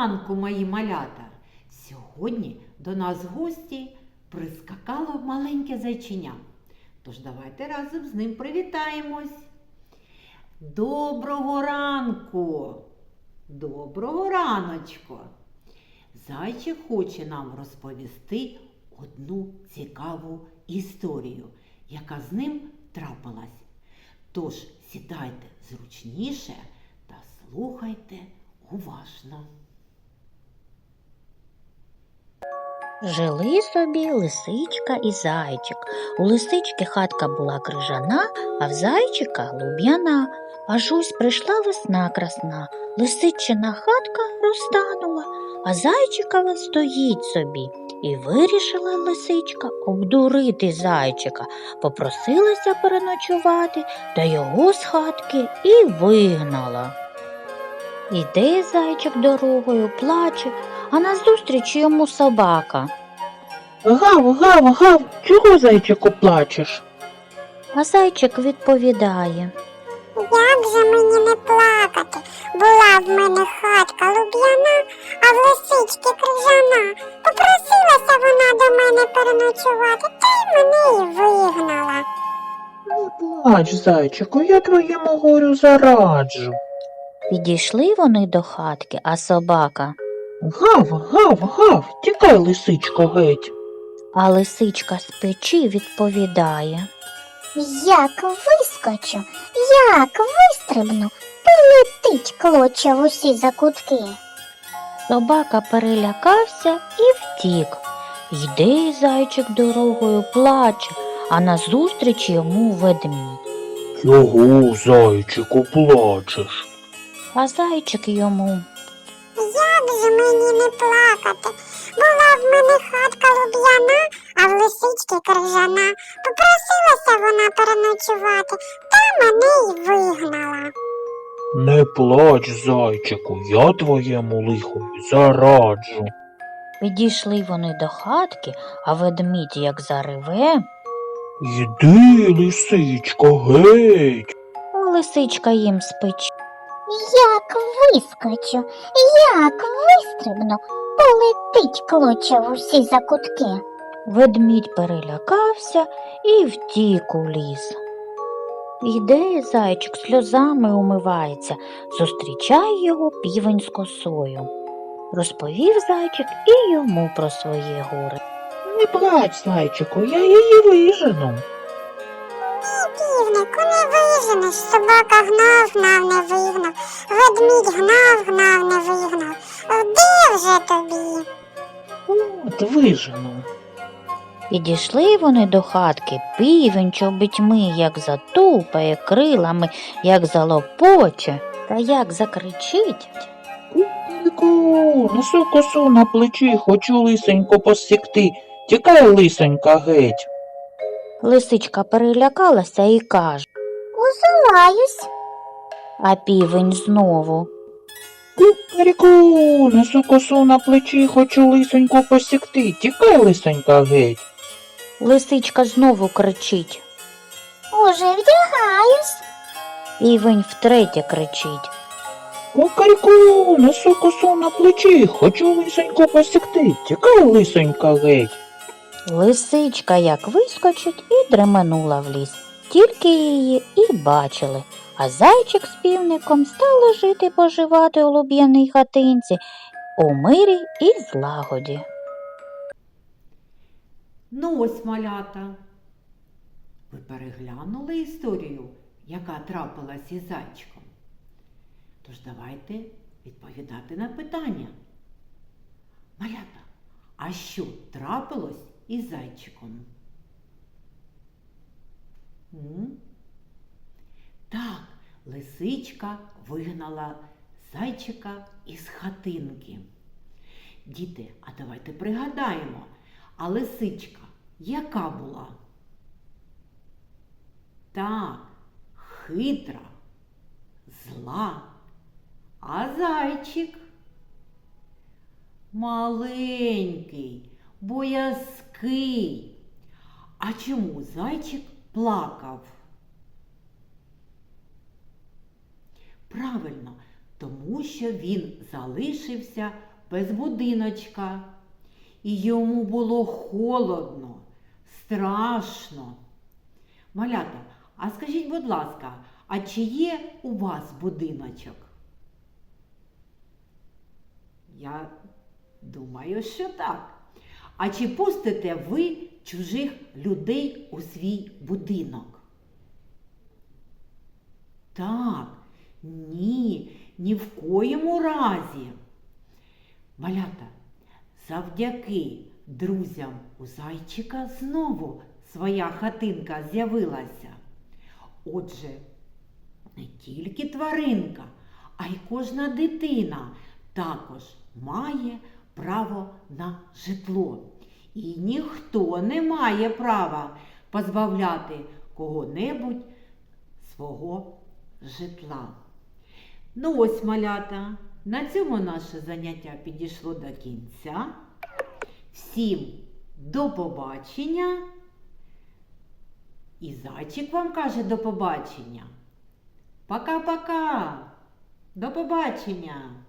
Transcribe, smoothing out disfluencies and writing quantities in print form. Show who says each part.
Speaker 1: ранку, мої малята! Сьогодні до нас в гості прискакало маленьке зайчиня. Тож давайте разом з ним привітаємось. Доброго ранку! Доброго раночку! Зайчик хоче нам розповісти одну цікаву історію, яка з ним трапилась. Тож сідайте зручніше та слухайте уважно.
Speaker 2: Жили собі лисичка і зайчик. У лисички хатка була крижана, а в зайчика луб'яна. Аж ось прийшла весна красна, лисичина хатка розтанула, а зайчикова стоїть собі. І вирішила лисичка обдурити зайчика, попросилася переночувати, та його з хатки і вигнала. Іде зайчик дорогою, плаче, а назустріч йому собака.
Speaker 3: Гав, гав, гав, чого, зайчику, плачеш?
Speaker 2: А зайчик відповідає.
Speaker 4: Як же мені не плакати? Була в мене хатка луб'яна, а в лисички крижана. Попросилася вона до мене переночувати, та й мене й вигнала.
Speaker 3: Не плач, зайчику, я твоєму горю зараджу.
Speaker 2: Підійшли вони до хатки, а собака.
Speaker 3: Гав, гав, гав, тікай, лисичко, геть.
Speaker 2: А лисичка з печі відповідає.
Speaker 4: Як вискочу, як вистрибну, полетить клоча в усі закутки.
Speaker 2: Собака перелякався і втік. Йде зайчик дорогою, плаче, а назустріч йому ведмідь.
Speaker 3: Чого, зайчику, плачеш?
Speaker 2: А зайчик йому.
Speaker 4: Як же мені не плакати? Була в мене хатка луб'яна, а в лисички крижана. Попросилася вона переночувати, та мене й вигнала.
Speaker 3: Не плач, зайчику, я твоєму лихові зараджу.
Speaker 2: Підійшли вони до хатки, а ведмідь як зареве.
Speaker 3: Йди, лисичко, геть.
Speaker 2: А лисичка їм з печі.
Speaker 4: Як вискочу, як вистрибну, полетить клоча в усі закутки.
Speaker 2: Ведмідь перелякався і втік у ліс. Іде зайчик, сльозами умивається, зустрічає його півень з косою. Розповів зайчик і йому про своє горе.
Speaker 3: Не плач, зайчику, я її вижену.
Speaker 4: Півнику не виженеш, собака гнав, гнав, не вигнав, ведмідь гнав, гнав, не вигнав. Де вже тобі?
Speaker 3: От вижену.
Speaker 2: Підійшли вони до хатки, півень чобітьми, як затупає крилами, як залопоче, та як закричить.
Speaker 3: Кукарику, несу косу на плечі, хочу лисенько посікти. Тікай, лисенька, геть.
Speaker 2: Лисичка перелякалася і каже,
Speaker 4: Узуваюсь.
Speaker 2: а півень знову.
Speaker 3: Кукарику, несу косу на плечі, хочу лисенько посікти. Тікай, лисенька, геть.
Speaker 2: Лисичка знову кричить.
Speaker 4: Уже вдягаюсь.
Speaker 2: Півень втретє кричить.
Speaker 3: Кукарику, несу косу на плечі, хочу лисенько посікти. Тікай, лисенька, геть.
Speaker 2: Лисичка як вискочить і дременула в ліс. Тільки її і бачили, а зайчик з півником стали жити-поживати у луб'яній хатинці у мирі і злагоді.
Speaker 1: Ну ось, малята, ви переглянули історію, яка трапилась із зайчиком? Тож давайте відповідати на питання. Малята, а що трапилось із зайчиком? Так, лисичка вигнала зайчика із хатинки. Діти, а давайте пригадаємо, а лисичка яка була? Так, хитра, зла, а зайчик маленький, боязкий. А чому зайчик плакав? Правильно, тому що він залишився без будиночка. І йому було холодно, страшно. Малята, а скажіть, будь ласка, а чи є у вас будиночок? Я думаю, що так. А чи пустите ви чужих людей у свій будинок? Так, ні в коєму разі. Малята, завдяки друзям у зайчика знову своя хатинка з'явилася. Отже, не тільки тваринка, а й кожна дитина також має право на житло. І ніхто не має права позбавляти кого-небудь свого житла. Ну ось, малята, на цьому наше заняття підійшло до кінця. Всім до побачення. І зайчик вам каже до побачення. Пока-пока. До побачення.